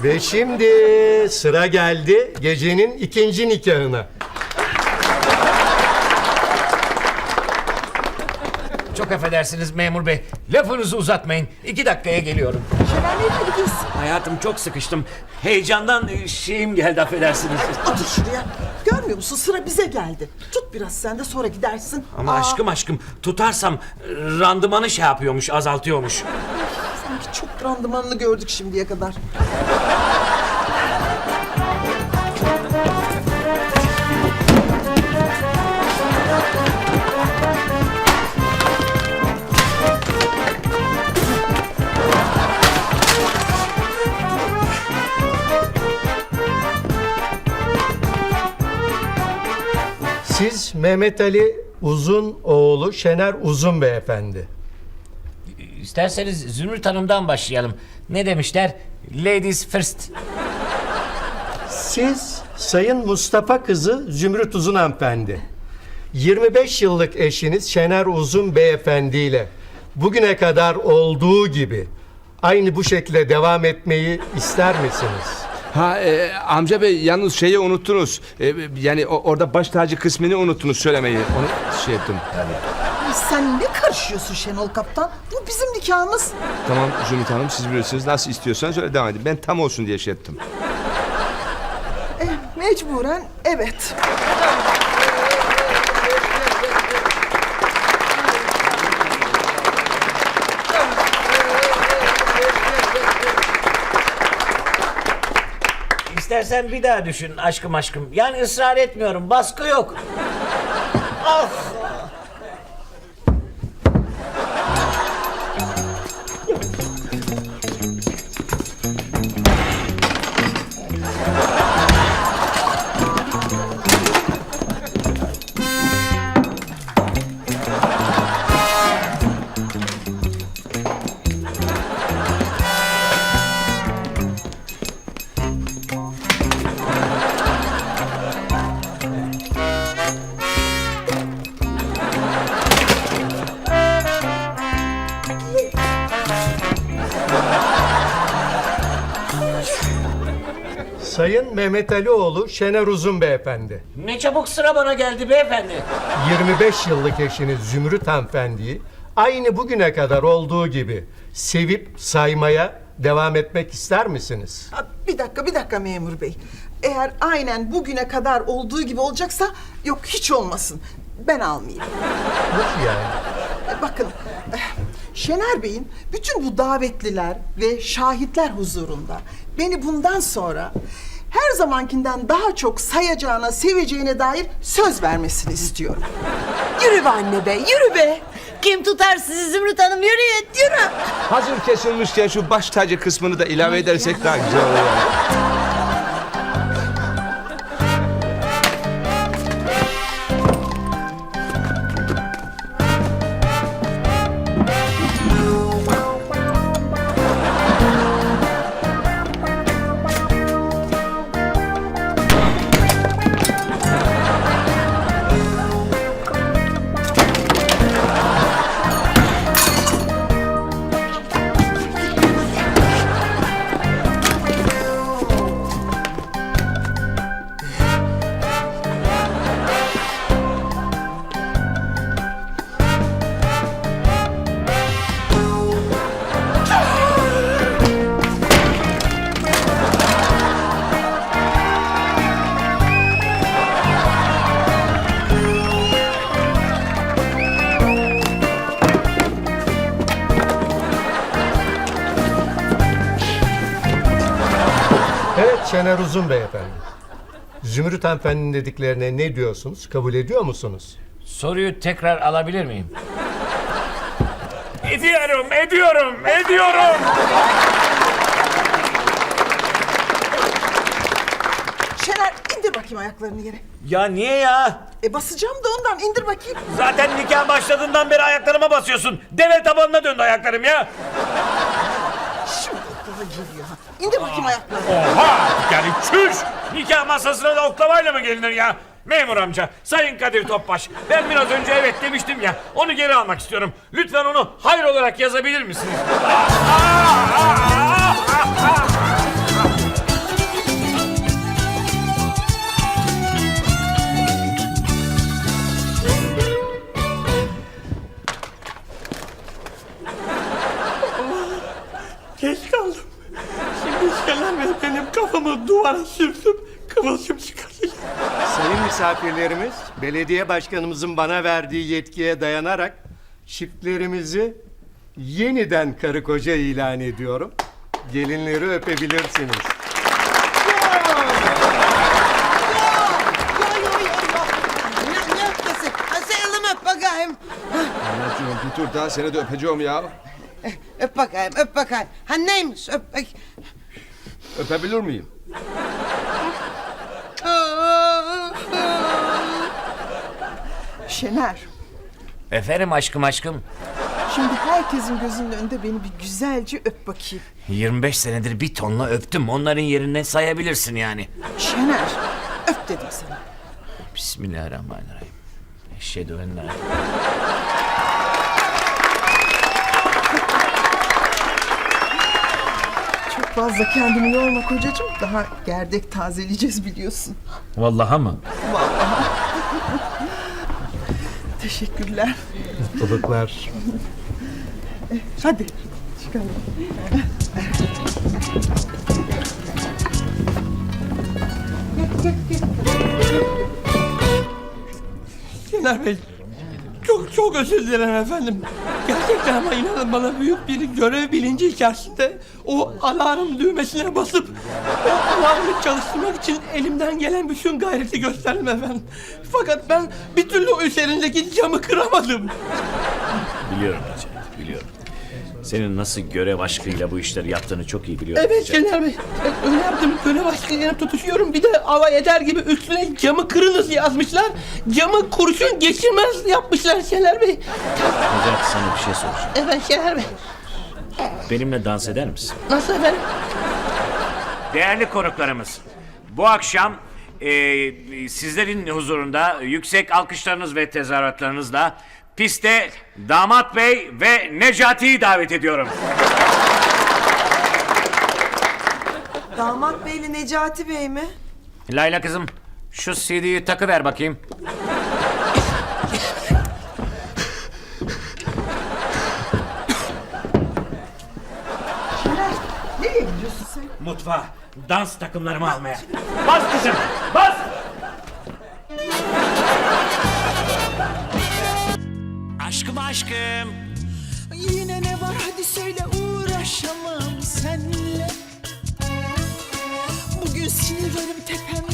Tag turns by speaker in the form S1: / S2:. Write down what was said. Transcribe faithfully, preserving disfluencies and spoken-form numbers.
S1: Ve şimdi sıra geldi gecenin ikinci nikahına.
S2: Çok affedersiniz memur bey. Lafınızı uzatmayın. İki dakikaya geliyorum.
S3: Şener nereye gidiyorsun?
S2: Hayatım çok sıkıştım. Heyecandan e, şeyim geldi affedersiniz.
S3: Otur şuraya. Görmüyor musun? Sıra bize geldi. Tut biraz sen de sonra gidersin.
S2: Ama
S3: Aa,
S2: aşkım aşkım tutarsam e, randımanı şey yapıyormuş, azaltıyormuş.
S3: Sanki çok randımanını gördük şimdiye kadar.
S1: Siz Mehmet Ali Uzun oğlu Şener Uzun beyefendi.
S2: İsterseniz Zümrüt Hanım'dan başlayalım. Ne demişler? Ladies first.
S1: Siz Sayın Mustafa kızı Zümrüt Uzun hanımefendi. yirmi beş yıllık eşiniz Şener Uzun beyefendi ile bugüne kadar olduğu gibi aynı bu şekilde devam etmeyi ister misiniz?
S4: Ha e, amca bey yalnız şeyi unuttunuz. E, yani o, orada baş tacı kısmını unuttunuz söylemeyi. Onu şey ettim.
S3: Ay, sen ne karışıyorsun Şenol Kaptan? Bu bizim nikahımız.
S4: Tamam Zümrüt Hanım siz bilirsiniz nasıl istiyorsanız öyle devam edin. Ben tam olsun diye şey ettim.
S3: Eh, mecburen evet.
S2: İstersen bir daha düşün aşkım aşkım. Yani ısrar etmiyorum. Baskı yok. Ah!
S1: Sayın Mehmet Ali oğlu Şener Uzun beyefendi.
S2: Ne çabuk sıra bana geldi beyefendi.
S1: yirmi beş yıllık eşiniz Zümrüt hanımefendiyi aynı bugüne kadar olduğu gibi sevip saymaya devam etmek ister misiniz?
S3: Ha, bir dakika bir dakika memur bey. Eğer aynen bugüne kadar olduğu gibi olacaksa yok hiç olmasın. Ben almayayım.
S1: Nasıl yani?
S3: E, Bakın, eh, Şener Bey'in bütün bu davetliler ve şahitler huzurunda beni bundan sonra her zamankinden daha çok sayacağına, seveceğine dair söz vermesini istiyorum.
S5: Yürü be anne be, yürü be. Kim tutar sizi Zümrüt Hanım? Yürüyün, yürü.
S4: Hazır kesilmişken şu baş tacı kısmını da ilave edersek daha güzel olur yani.
S1: Evet Şener Uzun beyefendi. Zümrüt hanımefendinin dediklerine ne diyorsunuz? Kabul ediyor musunuz?
S2: Soruyu tekrar alabilir miyim? Ediyorum, ediyorum, ediyorum.
S3: Şener indir bakayım ayaklarını yere.
S2: Ya niye ya?
S3: E basacağım da ondan indir bakayım.
S2: Zaten nikah başladığından beri ayaklarıma basıyorsun. Deve tabanına döndü ayaklarım ya.
S3: Şimdi aklıma geliyor ha. İndir bakayım ayaklarını.
S2: Oha! Yani çüş! Nikah masasına da oklavayla mı gelinir ya? Memur amca, Sayın Kadir Topbaş, ben biraz önce evet demiştim ya, onu geri almak istiyorum. Lütfen onu hayır olarak yazabilir misiniz?
S6: Şener Bey benim kafamı duvara sürtüp kıvılcım çıkartacak.
S1: Sayın misafirlerimiz, belediye başkanımızın bana verdiği yetkiye dayanarak çiftlerimizi yeniden karı koca ilan ediyorum. Gelinleri öpebilirsiniz.
S5: Ne, ne öpmesi? Ha, sayalım öp bakayım.
S4: Anacığım bir tur daha seni de öpeceğim ya.
S5: Öp bakayım, öp bakayım. Ha neymiş öp bak.
S4: Öpebilir miyim?
S3: Şener,
S2: Efendim aşkım aşkım.
S3: şimdi herkesin gözünün önünde beni bir güzelce öp bakayım.
S2: yirmi beş senedir bir tonla öptüm. Onların yerine sayabilirsin yani.
S3: Şener, öp dedim sana.
S2: Bismillahirrahmanirrahim. Eşhedü en la
S3: Çok fazla kendini yorma kocacığım. Daha gerdek tazeleyeceğiz biliyorsun.
S2: Vallahi mı?
S3: Teşekkürler.
S1: Mutluluklar.
S3: Hadi çıkalım.
S6: Şener Bey çok çok özür dilerim efendim. Gerçekten ama inanın bana büyük bir görev bilinci içerisinde o alarm düğmesine basıp o alarmı çalıştırmak için elimden gelen bütün gayreti gösterdim efendim. Fakat ben bir türlü o üzerindeki camı kıramadım.
S7: Biliyorum Necati, biliyorum. Senin nasıl görev aşkıyla bu işleri yaptığını çok iyi biliyorum.
S6: Evet
S7: Necati.
S6: Şener Bey. Ben öyle yaptım. Görev aşkıyla tutuşuyorum. Bir de alay eder gibi üstüne camı kırınız yazmışlar. Camı kurşun geçirmez yapmışlar Şener Bey.
S7: Necati sana bir şey soracağım.
S6: Evet Şener Bey.
S7: Benimle dans eder misin?
S6: Nasıl efendim?
S2: Değerli konuklarımız, bu akşam e, sizlerin huzurunda yüksek alkışlarınız ve tezahüratlarınızla piste Damat Bey ve Necati'yi davet ediyorum.
S5: Damat Bey'le Necati Bey mi?
S2: Layla kızım, şu C D'yi takıver bakayım.
S3: Şener, nereye gidiyorsun sen?
S2: Mutfağa, dans takımlarımı almaya. Bas kızım, bas! Aşkım aşkım.
S8: Yine ne var hadi söyle uğraşamam senle. Bugün sinirlerim tepemde